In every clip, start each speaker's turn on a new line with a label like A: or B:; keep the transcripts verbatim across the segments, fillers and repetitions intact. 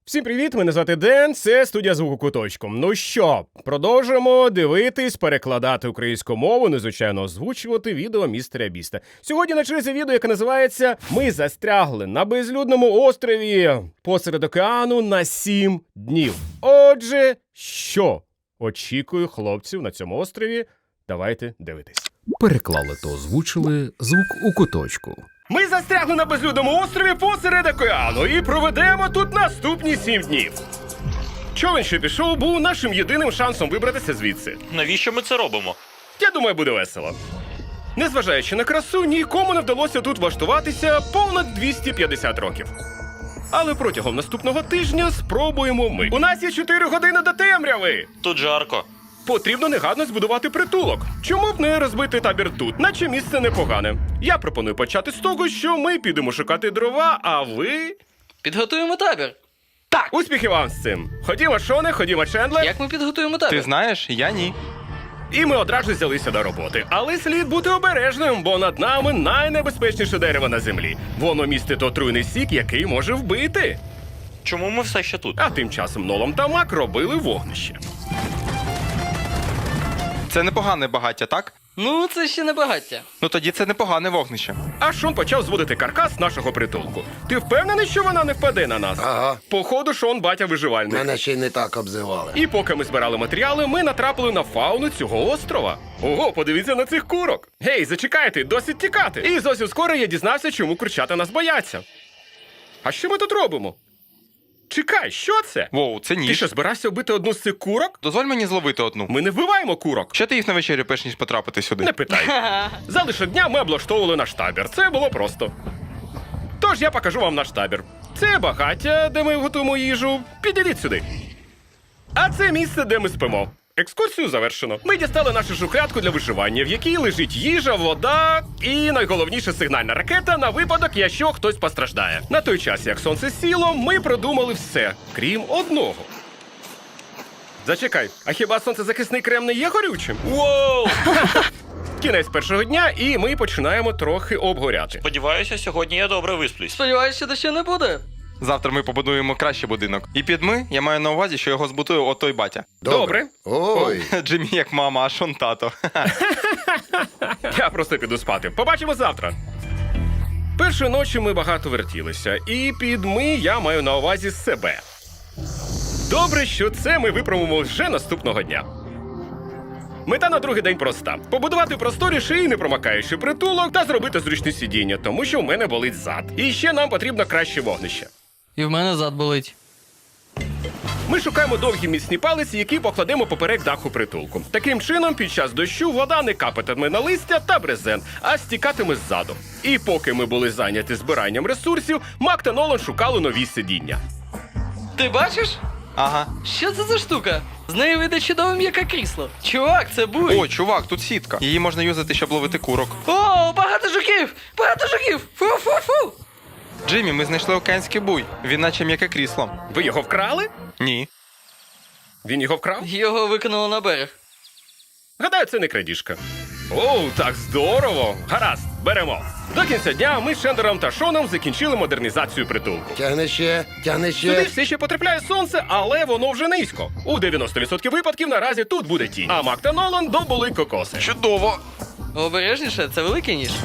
A: Всім привіт, мене звати Ден, це студія звуку куточку. Ну що, продовжуємо дивитись, перекладати українську мову, ну, звичайно, озвучувати відео містера Біста. Сьогодні на черзі відео, яке називається «Ми застрягли на безлюдному острові посеред океану на сім днів». Отже, що очікую хлопців на цьому острові? Давайте дивитись.
B: Переклали та озвучили звук у куточку.
A: Ми застрягли на безлюдному острові посеред океану і проведемо тут наступні сім днів. Човен, що пішов, був нашим єдиним шансом вибратися звідси.
C: Навіщо ми це робимо?
A: Я думаю, буде весело. Незважаючи на красу, нікому не вдалося тут влаштуватися понад двісті п'ятдесят років. Але протягом наступного тижня спробуємо ми. У нас є чотири години до темряви!
C: Тут жарко.
A: Потрібно негайно збудувати притулок. Чому б не розбити табір тут, наче місце непогане? Я пропоную почати з того, що ми підемо шукати дрова, а ви...
D: Підготуємо табір.
A: Так! Успіхів вам з цим! Ходімо, Шоне, ходімо, Чендлер.
D: Як ми підготуємо табір?
E: Ти знаєш, я ні.
A: І ми одразу взялися до роботи. Але слід бути обережним, бо над нами найнебезпечніше дерево на землі. Воно містить отруйний сік, який може вбити.
C: Чому ми все ще тут?
A: А тим часом Нолан та Мак робили вогнище.
E: Це непогане багаття, так?
D: Ну, це ще не багаття.
E: Ну тоді це непогане вогнище.
A: А Шон почав зводити каркас нашого притулку. Ти впевнений, що вона не впаде на нас?
F: Ага.
A: Походу, Шон батя виживальник.
F: Мене ще й не так обзивали.
A: І поки ми збирали матеріали, ми натрапили на фауну цього острова. Ого, подивіться на цих курок. Гей, зачекайте, досить тікати. І зовсім скоро я дізнався, чому курчата нас бояться. А що ми тут робимо? Чекай, що це?
E: Воу, це
A: Ти
E: ніж.
A: що, збирався вбити одну з цих курок?
E: Дозволь мені зловити одну.
A: Ми не вбиваємо курок.
E: Що ти їх на вечерю, перш ніж потрапити сюди?
A: Не питай. Залишок дня ми облаштовували наш табір. Це було просто. Тож я покажу вам наш табір. Це багаття, де ми готуємо їжу. Підійдіть сюди. А це місце, де ми спимо. Екскурсію завершено. Ми дістали нашу шухлядку для виживання, в якій лежить їжа, вода і найголовніше сигнальна ракета на випадок, якщо хтось постраждає. На той час, як сонце сіло, ми продумали все, крім одного. Зачекай, а хіба сонцезахисний крем не є горючим?
C: Воу!
A: Кінець першого дня, і ми починаємо трохи обгоряти.
C: Сподіваюся, сьогодні я добре висплюсь.
D: Сподіваюся, що дощу не буде.
E: Завтра ми побудуємо кращий будинок. І під ми я маю на увазі, що його збудує отой батя.
A: Добре.
F: Ой.
E: Джиммі як мама, а Шон тато.
A: Я просто піду спати. Побачимо завтра. Першої ночі ми багато вертілися, і під ми я маю на увазі себе. Добре, що це ми виправимо вже наступного дня. Мета на другий день проста. Побудувати просторіший і непромокаючий притулок та зробити зручне сидіння, тому що в мене болить зад. І ще нам потрібно краще вогнище.
D: І в мене зад болить.
A: Ми шукаємо довгі міцні палиці, які покладемо поперек даху притулку. Таким чином, під час дощу вода не капатиме на листя та брезент, а стікатиме ззаду. І поки ми були зайняті збиранням ресурсів, Мак та Нолан шукали нові сидіння.
D: Ти бачиш?
E: Ага.
D: Що це за штука? З неї вийде чудове м'яке крісло. Чувак, це буй.
E: О, чувак, тут сітка. Її можна юзати, щоб ловити курок.
D: О, багато жуків! Багато жуків! Фу-фу-фу!
E: Джиммі, ми знайшли океанський буй. Він наче м'яке крісло.
A: Ви його вкрали?
E: Ні.
A: Він його вкрав?
D: Його викинуло на берег.
A: Гадаю, це не крадіжка. Оу, так здорово! Гаразд, беремо. До кінця дня ми з Шендером та Шоном закінчили модернізацію притулку.
F: Тягни ще, тягни
A: Сюди
F: ще.
A: все ще потрапляє сонце, але воно вже низько. У дев'яносто відсотків випадків наразі тут буде тінь. А Мак та Нолан добули кокоси.
E: Чудово.
D: Обережніше, це великий ніж.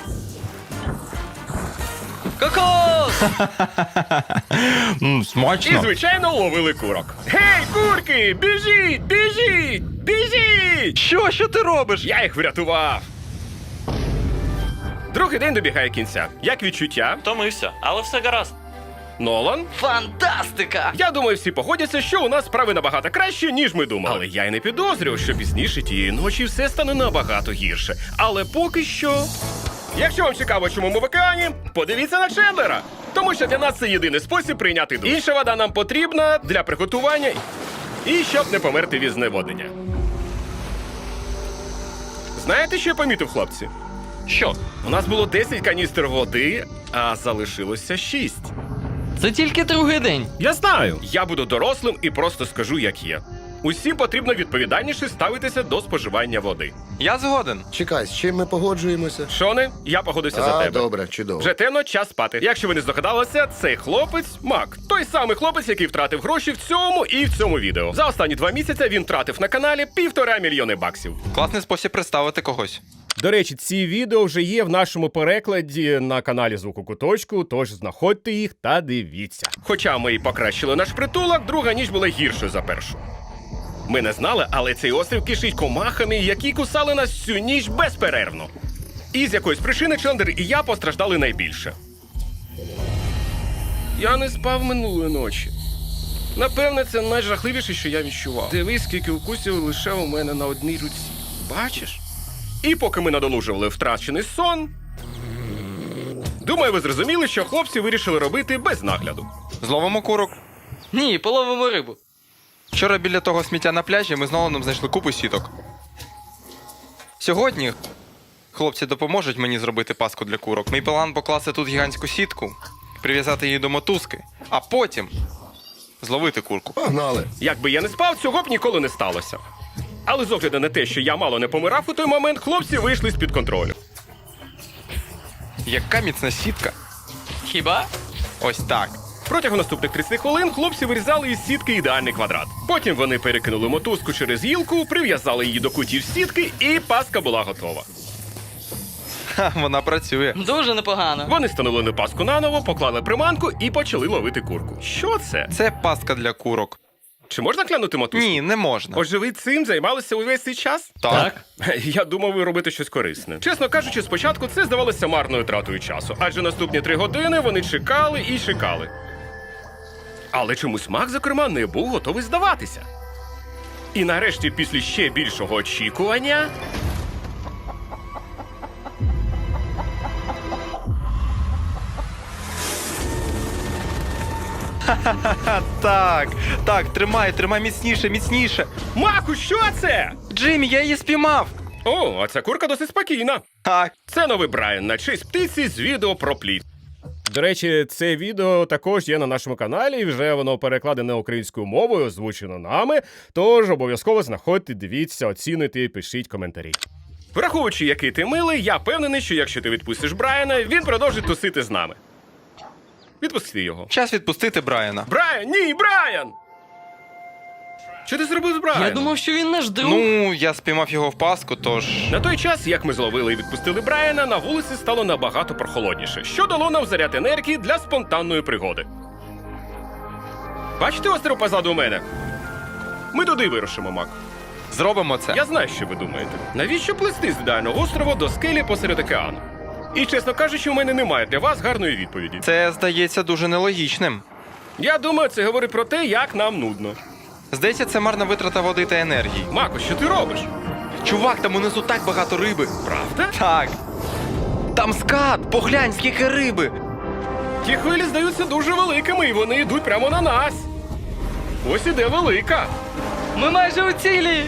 D: Кокос!
E: Мм,
A: І,
E: смачно.
A: звичайно, ловили курок. Гей, курки! Біжіть! Біжіть! Біжіть!
E: Що? Що ти робиш?
A: Я їх врятував. Другий день добігає кінця. Як відчуття?
C: Втомився, але все гаразд.
A: Нолан?
D: Фантастика!
A: Я думаю, всі погодяться, що у нас справи набагато краще, ніж ми думали. Але я й не підозрював, що пізніше тієї ночі все стане набагато гірше. Але поки що... Якщо вам цікаво, чому ми в океані, подивіться на Чендлера. Тому що для нас це єдиний спосіб прийняти душ. Інша вода нам потрібна для приготування і щоб не померти від зневоднення. Знаєте, що я помітив, хлопці?
C: Що?
A: У нас було десять каністр води, а залишилося шість.
D: Це тільки другий день.
A: Я знаю. Я буду дорослим і просто скажу, як є. Усім потрібно відповідальніше ставитися до споживання води.
E: Я згоден.
F: Чекай, з чим ми погоджуємося?
A: Шоне, я погодуся за
F: А,
A: тебе.
F: добре, чудово.
A: Вже темно, час спати. Якщо ви не здогадалися, цей хлопець Мак. Той самий хлопець, який втратив гроші в цьому і в цьому відео. За останні два місяці він втратив на каналі півтора мільйони баксів.
E: Класний спосіб представити когось.
A: До речі, ці відео вже є в нашому перекладі на каналі Звуку Куточку, тож знаходьте їх та дивіться. Хоча ми і покращили наш притулок, друга ніч була гіршою за першу. Ми не знали, але цей острів кишить комахами, які кусали нас всю ніч безперервно. І з якоїсь причини Чендер і я постраждали найбільше. Я не спав минулої ночі. Напевне, це найжахливіше, що я відчував. Дивись, скільки укусів лише у мене на одній руці. Бачиш? І поки ми надолужували втрачений сон, думаю, ви зрозуміли, що хлопці вирішили робити без нагляду.
E: Зловимо курок.
D: Ні, половимо рибу.
E: Вчора біля того сміття на пляжі ми з Ноланом знайшли купу сіток. Сьогодні хлопці допоможуть мені зробити паску для курок. Мій план покласти тут гігантську сітку, прив'язати її до мотузки, а потім зловити курку.
F: Погнали.
A: Якби я не спав, цього б ніколи не сталося. Але з огляду на те, що я мало не помирав у той момент, хлопці вийшли з-під контролю.
E: Яка міцна сітка.
D: Хіба?
E: Ось так.
A: Протягом наступних тридцяти хвилин хлопці вирізали із сітки ідеальний квадрат. Потім вони перекинули мотузку через гілку, прив'язали її до кутів сітки, і паска була готова.
E: Ха, вона працює.
D: Дуже непогано.
A: Вони встановили паску наново, поклали приманку і почали ловити курку. Що це?
E: Це пастка для курок.
A: Чи можна клянути мотузку?
E: Ні, не можна.
A: Отже, ви цим займалися увесь цей час?
E: Так.
A: Я думав, ви робите щось корисне. Чесно кажучи, спочатку це здавалося марною тратою часу, адже наступні три години вони чекали і чекали. Але чомусь Мак, зокрема, не був готовий здаватися. І нарешті, після ще більшого очікування...
E: Ха, так, так, тримай, тримай міцніше, міцніше.
A: Маку, що це?
E: Джиммі, я її спіймав.
A: О, а ця курка досить спокійна.
E: Так.
A: Це новий Брайан на честь птиці з відео про плід. До речі, це відео також є на нашому каналі, і вже воно перекладене українською мовою, озвучено нами, тож обов'язково знаходьте, дивіться, оцінуйте і пишіть коментарі. Враховуючи, який ти милий, я впевнений, що якщо ти відпустиш Брайана, він продовжить тусити з нами. Відпусти його.
E: Час відпустити Брайана.
A: Брайан, ні, Брайан! Що ти зробив з Брайаном?
D: Я думав, що він наш друг.
E: Ну, я спіймав його в паску, тож.
A: На той час, як ми зловили і відпустили Брайана, на вулиці стало набагато прохолодніше, що дало нам заряд енергії для спонтанної пригоди. Бачите острів позаду мене? Ми туди вирушимо, Мак.
E: Зробимо це.
A: Я знаю, що ви думаєте. Навіщо плисти з ідеального острова до скелі посеред океану? І, чесно кажучи, у мене немає для вас гарної відповіді.
E: Це здається дуже нелогічним.
A: Я думаю, це говорить про те, як нам нудно.
E: Здається, це марна витрата води та енергії.
A: Мако, що ти робиш?
E: Чувак, там унизу так багато риби.
A: Правда?
E: Так. Там скат! Поглянь, скільки риби!
A: Ті хвилі здаються дуже великими, і вони йдуть прямо на нас. Ось іде велика.
D: Ми майже у цілі.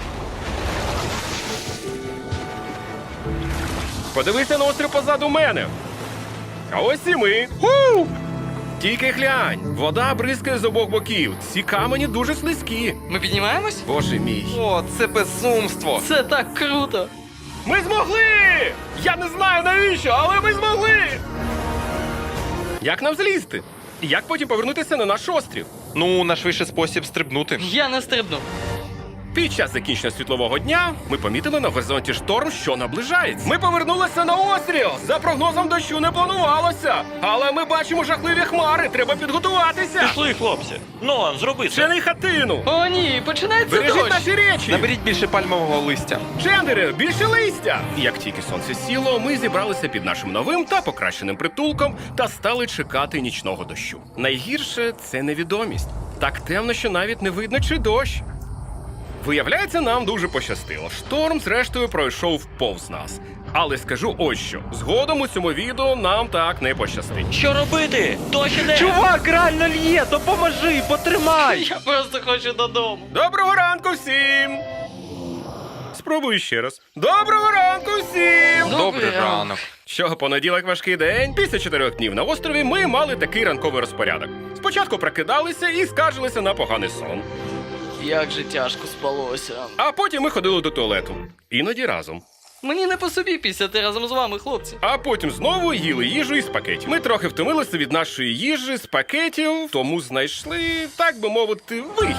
A: Подивися на острів позаду мене. А ось і ми. Ху! Тільки глянь, вода бризкає з обох боків. Ці камені дуже слизькі.
D: Ми піднімаємось?
A: Боже мій.
E: О, це безумство!
D: Це так круто.
A: Ми змогли! Я не знаю навіщо, але ми змогли! Як нам злізти? І як потім повернутися на наш острів?
E: Ну, найшвидший спосіб стрибнути.
D: Я не стрибну.
A: Під час закінчення світлового дня ми помітили на горизонті шторм, що наближається. Ми повернулися на острів! За прогнозом дощу не планувалося! Але ми бачимо жахливі хмари, треба підготуватися!
C: Пішли, хлопці. Нолан, зроби це.
A: Чини хатину!
D: О, ні, починається
A: Бережіть
D: дощ.
A: наші речі!
E: Наберіть більше пальмового листя.
A: Чендери, більше листя! Як тільки сонце сіло, ми зібралися під нашим новим та покращеним притулком та стали чекати нічного дощу. Найгірше – це невідомість. Так темно, що навіть не видно, чи дощ. Виявляється, нам дуже пощастило. Шторм, зрештою, пройшов повз нас. Але скажу ось що. Згодом у цьому відео нам так не пощастить.
C: Що робити? Дощ іде.
E: Чувак, реально лє! Допоможи, потримай!
D: Я просто хочу додому.
A: Доброго ранку всім! Спробую ще раз. Доброго ранку всім!
E: Добрий ранок.
A: Що, понеділок важкий день? Після чотирьох днів на острові ми мали такий ранковий розпорядок. Спочатку прокидалися і скаржилися на поганий сон.
D: Як же тяжко спалося.
A: А потім ми ходили до туалету. Іноді разом.
D: Мені не по собі пісяти разом з вами, хлопці.
A: А потім знову їли їжу із пакетів. Ми трохи втомилися від нашої їжі з пакетів, тому знайшли, так би мовити, вихід.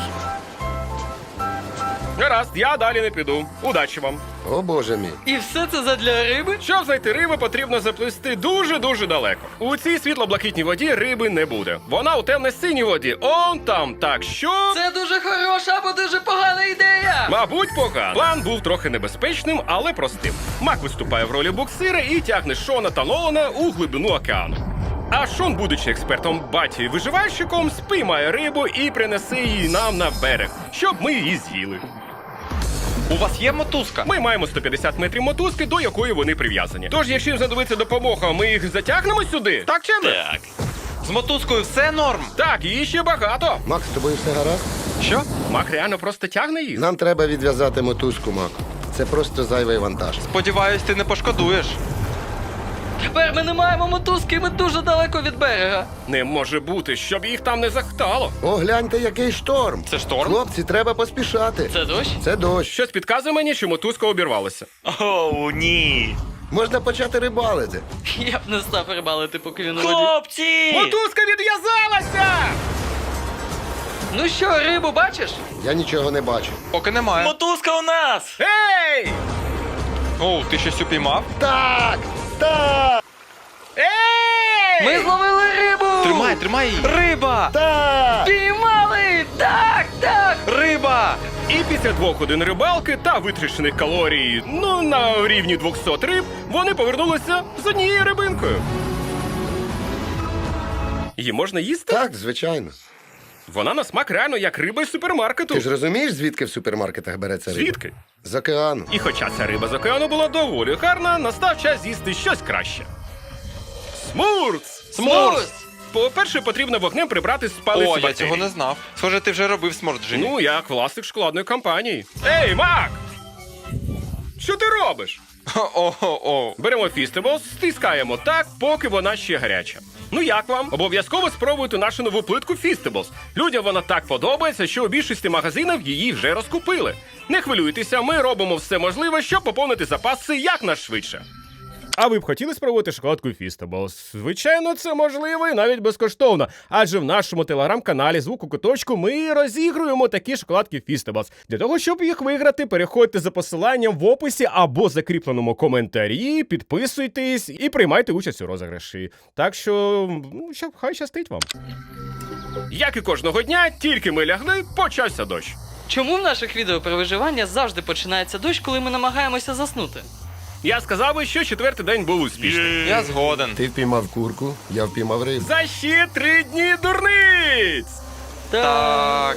A: Гаразд, я далі не піду. Удачі вам.
F: О боже мій.
D: І все це задля риби?
A: Щоб знайти рибу, потрібно заплисти дуже-дуже далеко. У цій світло-блакитній воді риби не буде. Вона у темно-синій воді. Он там. Так що...
D: Це дуже хороша або дуже погана ідея!
A: Мабуть, погано. План був трохи небезпечним, але простим. Мак виступає в ролі буксира і тягне Шона та Нолана у глибину океану. А Шон, будучи експертом баті виживальщиком, спіймає рибу і принесе її нам на берег, щоб ми її з'їли.
E: У вас є мотузка?
A: Ми маємо сто п'ятдесят метрів мотузки, до якої вони прив'язані. Тож, якщо їм знадобиться допомога, ми їх затягнемо сюди. Так чи не?
C: Так.
E: З мотузкою все норм.
A: Так, її ще багато.
F: Макс, з тобою все гаразд?
E: Що?
A: Мак реально просто тягне їх.
F: Нам треба відв'язати мотузку, Мак. Це просто зайвий вантаж.
E: Сподіваюсь, ти не пошкодуєш.
D: Тепер ми не маємо мотузки, і ми дуже далеко від берега.
A: Не може бути, щоб їх там не захтало.
F: О, гляньте, який шторм.
E: Це шторм?
F: Хлопці, треба поспішати.
D: Це дощ?
F: Це дощ.
A: Щось підказує мені, що мотузка обірвалася.
C: Оу, ні.
F: Можна почати рибалити.
D: Я б не став рибалити, поки він у воді.
C: Хлопці!
A: Мотузка відв'язалася!
D: Ну що, рибу бачиш?
F: Я нічого не бачу.
E: Поки немає.
C: Мотузка у нас!
A: Ей!
E: О, ти щось упіймав?
F: Так! Так!
A: Ей!
D: Ми зловили рибу!
E: Тримай, тримай її. Риба!
F: Так!
D: Піймали! Так, так!
E: Риба!
A: І після двох годин рибалки та витрачених калорій, ну, на рівні двохсот риб, вони повернулися з однією рибинкою. Її можна їсти?
F: Так, звичайно.
A: Вона на смак реально як риба з супермаркету.
F: Ти ж розумієш, звідки в супермаркетах береться риба?
A: Звідки?
F: З океану.
A: І хоча ця риба з океану була доволі гарна, настав час з'їсти щось краще. Смурц!
D: Смурц!
A: По-перше, потрібно вогнем прибрати з палиці
E: О, я
A: бактерій.
E: цього не знав. Схоже, ти вже робив сморт, Джиммі.
A: Ну, як власник шоколадної компанії. Ей, Мак! Що ти робиш?
E: О-о-о.
A: Беремо фістеблс, стискаємо так, поки вона ще гаряча. Ну як вам? Обов'язково спробуйте нашу нову плитку Фістеблс. Людям вона так подобається, що у більшості магазинів її вже розкупили. Не хвилюйтеся, ми робимо все можливе, щоб поповнити запаси якнайшвидше. А ви б хотіли спробувати шоколадку Фістеблс? Звичайно, це можливо і навіть безкоштовно. Адже в нашому телеграм-каналі «Звук у куточку» ми розігруємо такі шоколадки Фістеблс. Для того, щоб їх виграти, переходьте за посиланням в описі або закріпленому коментарі, підписуйтесь і приймайте участь у розіграші. Так що, ну, щоб хай щастить вам. Як і кожного дня, тільки ми лягли, почався дощ.
D: Чому в наших відео про виживання завжди починається дощ, коли ми намагаємося заснути?
A: Я сказав би, що четвертий день був успішний.
E: Я згоден.
F: Ти впіймав курку, я впіймав рибу.
A: За ще три дні дурниць!
E: Так.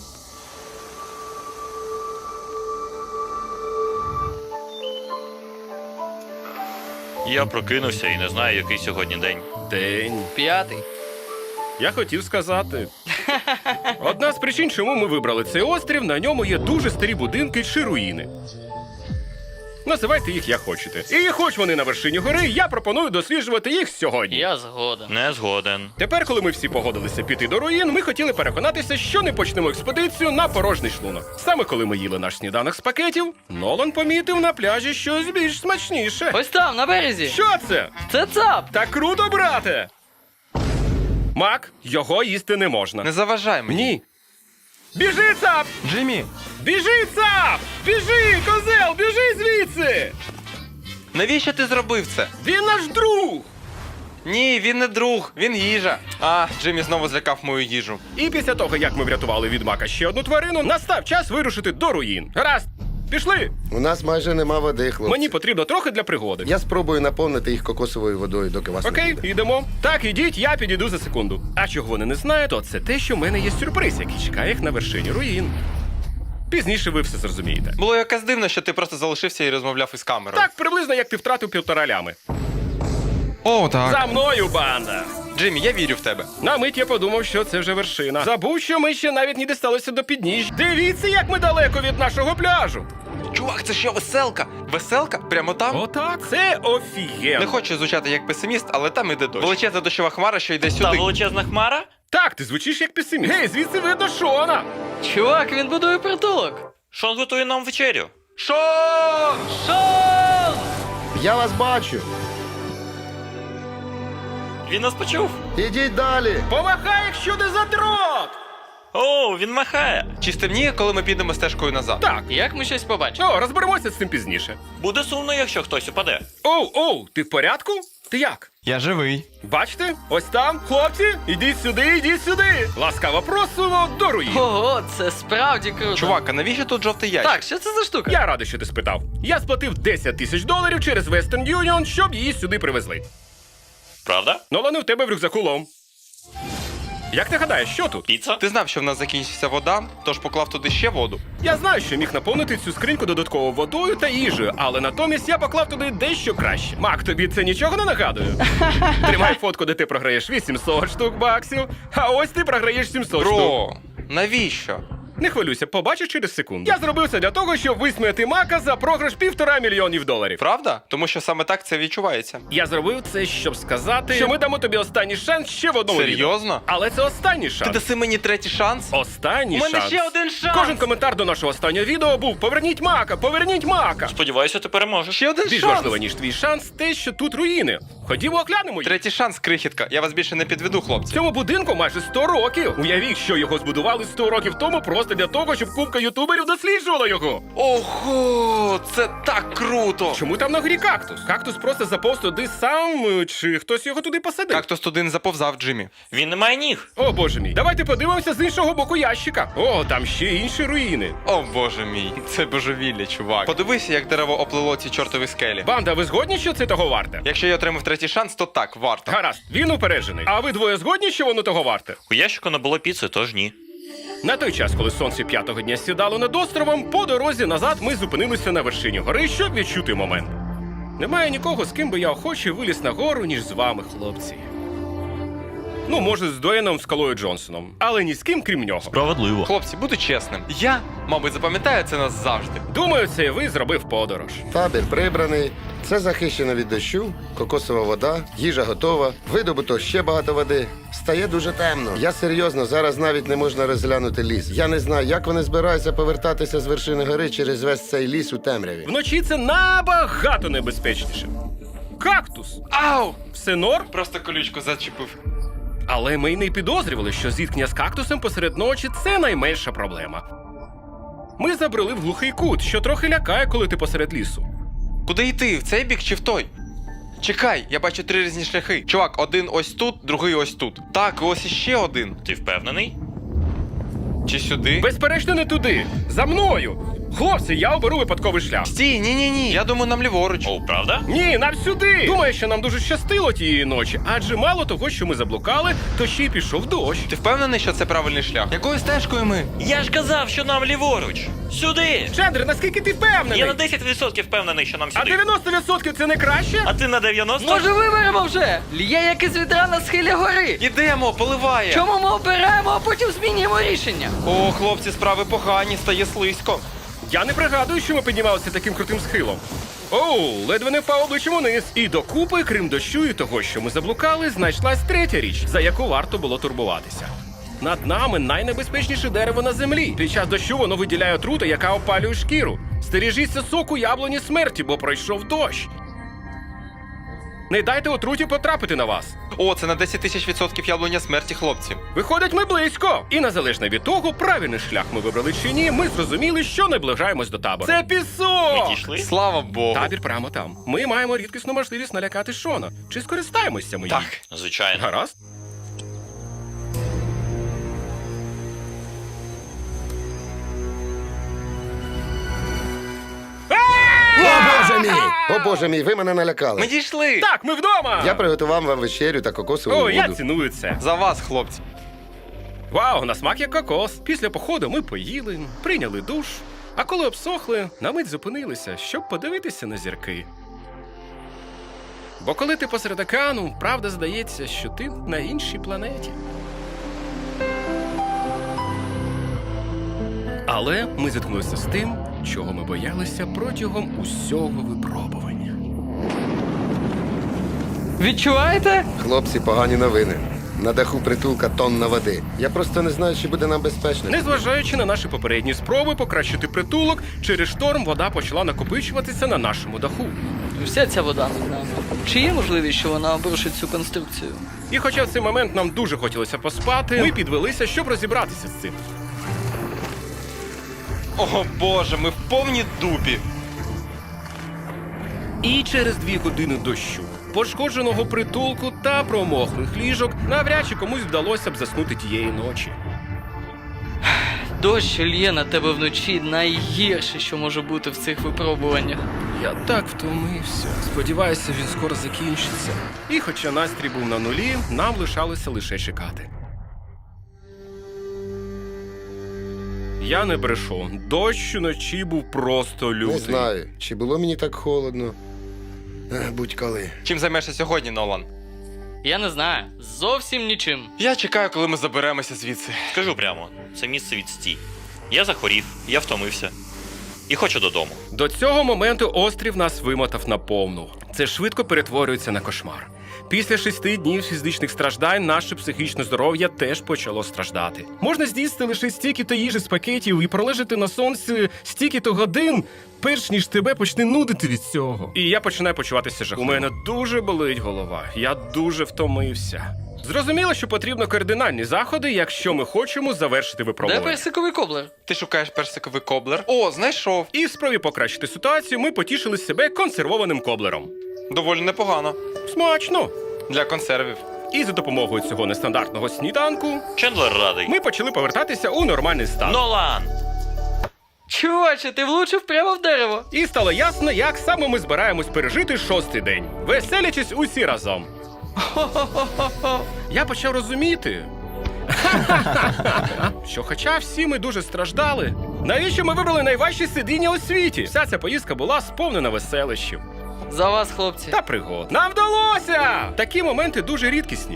C: Я прокинувся і не знаю, який сьогодні день.
A: День.
D: П'ятий.
A: Я хотів сказати. Одна з причин, чому ми вибрали цей острів, на ньому є дуже старі будинки чи руїни. Називайте їх як хочете. І хоч вони на вершині гори, я пропоную досліджувати їх сьогодні.
D: Я згоден.
C: Не згоден.
A: Тепер, коли ми всі погодилися піти до руїн, ми хотіли переконатися, що не почнемо експедицію на порожній шлунок. Саме коли ми їли наш сніданок з пакетів, Нолан помітив на пляжі щось більш смачніше.
D: Ось там, на березі.
A: Що це?
D: Це цап.
A: Так круто, брате! Мак, його їсти не можна.
E: Не заважай мені.
A: Ні. Біжи, цап!
E: Джиммі,
A: Біжи, цап! Біжи, козел, біжи звідси!
E: навіщо ти зробив це?
A: Він наш друг!
E: Ні, він не друг, він їжа. А, Джиммі знову злякав мою їжу.
A: І після того, як ми врятували від Мака ще одну тварину, настав час вирушити до руїн. Гаразд, пішли!
F: У нас майже нема води, хлопці.
A: Мені потрібно трохи для пригоди.
F: Я спробую наповнити їх кокосовою водою, доки вас не
A: Окей,
F: буде.
A: йдемо. Так, ідіть, я підійду за секунду. А чого вони не знають, то це те, що в мене є сюрприз, який чекає їх на вершині руїн. Пізніше ви все зрозумієте.
E: Було якось дивно, що ти просто залишився і розмовляв із камерою.
A: Так, приблизно як ти втратив півтора лями.
E: О, так.
A: За мною, банда!
E: Джиммі, я вірю в тебе.
A: На мить я подумав, що це вже вершина. Забув, що ми ще навіть не дісталися до підніжжя. Дивіться, як ми далеко від нашого пляжу.
E: Чувак, це що, веселка? Веселка? Прямо там?
A: Отак. Це офігенно.
E: Не хочу звучати як песиміст, але там іде дощ. Величезна дощова хмара, що йде
C: Та
E: сюди.
C: величезна хмара?
A: Так, ти звучиш як песиміст. Гей, звідси видно Шона.
D: Чувак, він будує притулок.
C: Шон готує нам вечерю.
E: Шон!
D: Шон!
F: Я вас бачу.
C: Він нас почув.
F: Ідіть далі.
A: Помахай, якщо не задрот.
C: О, він махає.
E: Чи стемніє, коли ми підемо стежкою назад?
A: Так.
D: Як ми щось побачимо?
A: О, розберемося з цим пізніше.
C: Буде сумно, якщо хтось упаде.
A: Оу, оу, ти в порядку? Ти як?
E: Я живий.
A: Бачите? Ось там, хлопці, ідіть сюди, ідіть сюди. Ласкаво просимо до руїн.
D: Ого, це справді круто.
E: Чувак, а навіщо тут жовтий ящик?
D: Так, що це за штука?
A: Я радий, що ти спитав. Я сплатив десять тисяч доларів через Western Union, щоб її сюди привезли.
C: Правда?
A: Нолане, в тебе в рюкзаку лом. Як ти гадаєш, що тут?
C: Піца?
E: Ти знав, що в нас закінчиться вода, тож поклав туди ще воду.
A: Я знаю, що міг наповнити цю скриньку додатково водою та їжею, але натомість я поклав туди дещо краще. Мак, тобі це нічого не нагадує? Тримай фотку, де ти програєш вісімсот штук баксів, а ось ти програєш сімсот штук.
E: Бро, навіщо?
A: Не хвилюйся, побачиш через секунду. Я зробив це для того, щоб висміяти Мака за програш півтора мільйонів доларів.
E: Правда? Тому що саме так це відчувається.
A: Я зробив це, щоб сказати, що ми дамо тобі останній шанс ще в одному відео.
E: Серйозно?
A: Але це останній
E: Ти
A: шанс.
E: даси мені третій шанс?
A: Останній
E: У мене
A: шанс.
E: ще один шанс!
A: Кожен коментар до нашого останнього відео був «Поверніть Мака! Поверніть Мака!»
C: Сподіваюся, ти переможеш.
E: Ще один
A: Більш
E: шанс!
A: важливо, ніж твій шанс, те, що тут руїни. Ходімо оглянемо їх.
E: Третій шанс, крихітка. Я вас більше не підведу, хлопці.
A: Цьому будинку майже сто років. Уявіть, що його збудували сто років тому просто для того, щоб купка ютуберів досліджувала його.
E: Ого, це так круто!
A: Чому там на горі кактус? Кактус просто заповз туди сам, е, чи хтось його туди посадив?
E: Кактус туди не заповзав, Джиммі.
C: Він не має ніг.
A: О, боже мій. Давайте подивимося з іншого боку ящика. О, там ще інші руїни.
E: О, боже мій, це божевілля, чувак. Подивися, як дерево оплило ці чортові скелі.
A: Банда, ви згодні, що це того варте?
E: Якщо я отримав третій шанс, то так, варто.
A: Гаразд, він упереджений. А ви двоє згодні, що воно того варте?
C: У ящику не було піци, тож ні.
A: На той час, коли сонце п'ятого дня сідало над островом, по дорозі назад ми зупинилися на вершині гори, щоб відчути момент. Немає нікого, з ким би я охоче виліз на гору, ніж з вами, хлопці. Ну, може, з Дуеном Скалою Джонсоном, але ні з ким, крім нього.
C: Справедливо.
E: Хлопці, буду чесним. Я, мабуть, запам'ятаю це нас завжди.
A: Думаю, це і ви зробив подорож.
F: Табір прибраний. Це захищено від дощу, кокосова вода, їжа готова, видобуто ще багато води. Стає дуже темно. Я серйозно, зараз навіть не можна розглянути ліс. Я не знаю, як вони збираються повертатися з вершини гори через весь цей ліс у темряві.
A: Вночі це набагато небезпечніше. Кактус!
E: Ау!
A: Все норм?
E: Просто колючку зачепив.
A: Але ми й не підозрювали, що зіткнення з кактусом посеред ночі – це найменша проблема. Ми забрели в глухий кут, що трохи лякає, коли ти посеред лісу.
E: Куди йти? В цей бік чи в той? Чекай, я бачу три різні шляхи. Чувак, один ось тут, другий ось тут. Так, і ось іще один.
C: Ти впевнений?
E: Чи сюди?
A: Безперечно, не туди. За мною. Хлопці, я оберу випадковий шлях.
E: Стій, ні-ні-ні. Я думаю, нам ліворуч.
C: О, правда?
A: Ні, нам сюди. Думаю, що нам дуже щастило тієї ночі, адже мало того, що ми заблукали, то ще й пішов дощ.
E: Ти впевнений, що це правильний шлях? Якою стежкою ми?
C: Я ж казав, що нам ліворуч. Сюди!
A: Чендер, наскільки ти впевнений?
C: Я на десять відсотків впевнений, що нам
A: А
C: сюди.
A: дев'яносто відсотків це не краще?
C: А ти на дев'яносто?
D: Може виберемо вже? Лє як із відра на схилі гори.
E: Ідемо, поливає.
D: Чому ми обираємо, а потім змінюємо рішення?
E: О, хлопці, справи погані, стає слизько.
A: Я не пригадую, що ми піднімалися таким крутим схилом. Оу, ледве не впав обличчям униз. І докупи, крім дощу і того, що ми заблукали, знайшлась третя річ, за яку варто було турбуватися. Над нами найнебезпечніше дерево на землі. Під час дощу воно виділяє отруту, яка опалює шкіру. Стережіться соку яблуні смерті, бо пройшов дощ. Не дайте отруті потрапити на вас.
E: О, це на десять тисяч відсотків яблуня смерті, хлопці.
A: Виходить, ми близько. І незалежно від того, правильний шлях ми вибрали чи ні, ми зрозуміли, що наближаємось до табору. Це пісок!
C: Ми дійшли?
E: Слава Богу.
A: Табір прямо там. Ми маємо рідкісну можливість налякати Шона. Чи скористаємося ми їй?
E: Так.
C: Звичайно.
A: Гаразд.
F: О, боже мій! О, боже мій, ви мене налякали.
E: Ми дійшли.
A: Так, ми вдома!
F: Я приготував вам вечерю та кокосову
A: О,
F: воду.
A: я ціную це.
E: За вас, хлопці.
A: Вау, на смак як кокос. Після походу ми поїли, прийняли душ, а коли обсохли, на мить зупинилися, щоб подивитися на зірки. Бо коли ти посеред океану, правда здається, що ти на іншій планеті. Але ми зіткнулися з тим, чого ми боялися протягом усього випробування.
D: Відчуваєте?
F: Хлопці, погані новини. На даху притулка тонна води. Я просто не знаю, чи буде нам безпечно.
A: Незважаючи на наші попередні спроби покращити притулок, через шторм вода почала накопичуватися на нашому даху.
D: Вся ця вода над нами. Чи є можливість, що вона обрушить цю конструкцію?
A: І хоча в цей момент нам дуже хотілося поспати, ми підвелися, щоб розібратися з цим.
E: О боже, ми в повній дупі.
A: І через дві години дощу, пошкодженого притулку та промоклих ліжок навряд чи комусь вдалося б заснути тієї ночі.
D: Дощ, що лє на тебе вночі, найгірше, що може бути в цих випробуваннях.
A: Я так втомився. Сподіваюся, він скоро закінчиться. І хоча настрій був на нулі, нам лишалося лише чекати. Я не брешу. Дощ уночі був просто лютий.
F: Не знаю, чи було мені так холодно. Ех, Будь-коли.
E: Чим займешся сьогодні, Нолан?
D: Я не знаю. Зовсім нічим.
E: Я чекаю, коли ми заберемося звідси.
C: Скажу прямо, це місце відстій. Я захворів, я втомився. І хочу додому.
A: До цього моменту острів нас вимотав наповну. Це швидко перетворюється на кошмар. Після шести днів фізичних страждань наше психічне здоров'я теж почало страждати. Можна з'їсти лише стільки-то їжі з пакетів і пролежати на сонці стільки-то годин, перш ніж тебе почне нудити від цього. І я починаю почуватися жахливо. У мене дуже болить голова. Я дуже втомився. Зрозуміло, що потрібно кардинальні заходи, якщо ми хочемо завершити
D: Де
A: випробування.
D: персиковий коблер?
E: Ти шукаєш персиковий коблер? О, знайшов.
A: І в спробі покращити ситуацію ми потішили себе консервованим коблером.
E: Доволі непогано.
A: Смачно!
E: Для консервів.
A: І за допомогою цього нестандартного сніданку
C: Чендлер радий.
A: ми почали повертатися у нормальний стан.
C: Нолан!
D: Чуваче, ти влучив прямо в дерево.
A: І стало ясно, як саме ми збираємось пережити шостий день, веселячись усі разом. Я почав розуміти, що хоча всі ми дуже страждали, навіщо ми вибрали найважчі сидіння у світі? Вся ця поїздка була сповнена веселищів
D: За вас, хлопці.
A: та пригод. Нам вдалося! Такі моменти дуже рідкісні.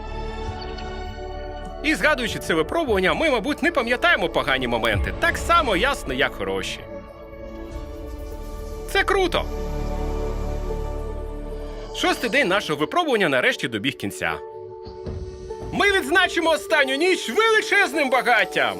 A: І згадуючи це випробування, ми, мабуть, не пам'ятаємо погані моменти. Так само ясно, як хороші. Це круто! Шостий день нашого випробування нарешті добіг кінця. Ми відзначимо останню ніч величезним багаттям!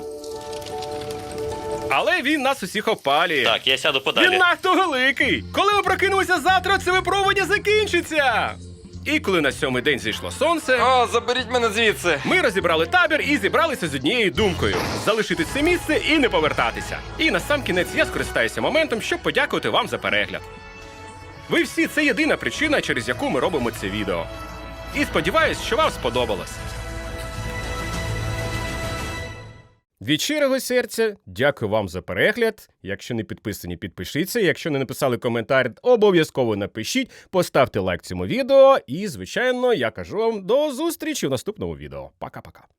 A: Але він нас усіх опалює.
C: Так, я сяду
A: Він
C: подалі.
A: надто великий! Коли ми прокинемося завтра, це випробування закінчиться! І коли на сьомий день зійшло сонце,
E: О, заберіть мене звідси.
A: ми розібрали табір і зібралися з однією думкою – залишити це місце і не повертатися. І насамкінець я скористаюся моментом, щоб подякувати вам за перегляд. Ви всі – це єдина причина, через яку ми робимо це відео. І сподіваюсь, що вам сподобалось. Від щирого серця дякую вам за перегляд. Якщо не підписані, підпишіться. Якщо не написали коментар, обов'язково напишіть. Поставте лайк цьому відео. І, звичайно, я кажу вам до зустрічі в наступному відео. Пока-пока.